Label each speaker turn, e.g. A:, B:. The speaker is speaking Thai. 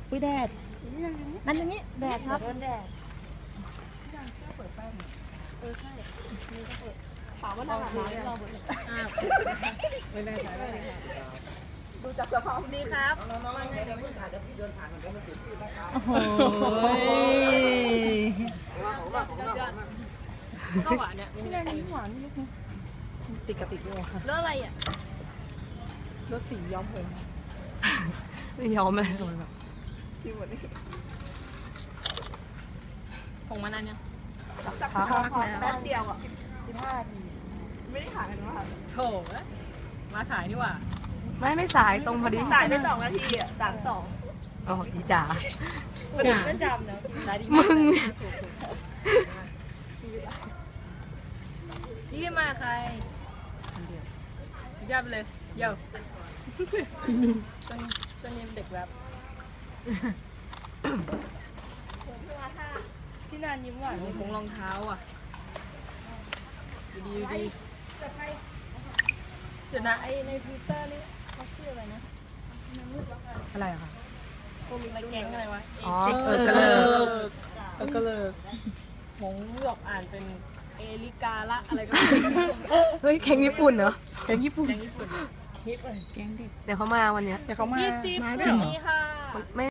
A: ปุ้ยแดดนั่นอย่างนี้แดดครับแดดใช่ถามว่าหน้าหนาวไหมเราไม่ได้ใช้เลยค่ะดูจากสภาพดีครับน้องๆไงเดี๋ยวไม่ถ่ายเดี๋ยวพี่เดินผ่านมันก็ไม่ถึงที่นะครับโอ้โหก็หวานเนี่ยพี่แนนนี่หวานนิดนึงติดกับติดด้วยค่ะแล้วอะไรอ่ะรถสีย้อมผมไม่ย้อมเลยที่หมดนี่ผงมานานยังสักพักแล้วแป๊บเดียวอ่ะ15 นาทีไม่ได้ขายกันว่าโถมาสายนี่หว่าไม่สายตรงพอดีสายไป2 นาทีอ่ะ32อ๋ออีจ๋าไม่จำนะมึงนี่มาใครสุดยอดเลยเย้จนยิ้มเด็กแบบพี่นานยิ้มหวานคงรองเท้าอ่ะดีเดี๋ยวนะไอใน Twitter นี่เขาชื่ออะไรนะอะไรอะคะกลุ่มอะไรแก๊งอะไรวะอ๋อกระเลิกหงหยกอ่านเป็นเอลิกาละอะไรก็เฮ้ยแก๊งญี่ปุ่นเหรอแก๊งญี่ปุ่นแก๊งเด็กเดี๋ยวเขามาวันนี้เดี๋ยวเขามาพี่จิ๊บสวัสดีค่ะ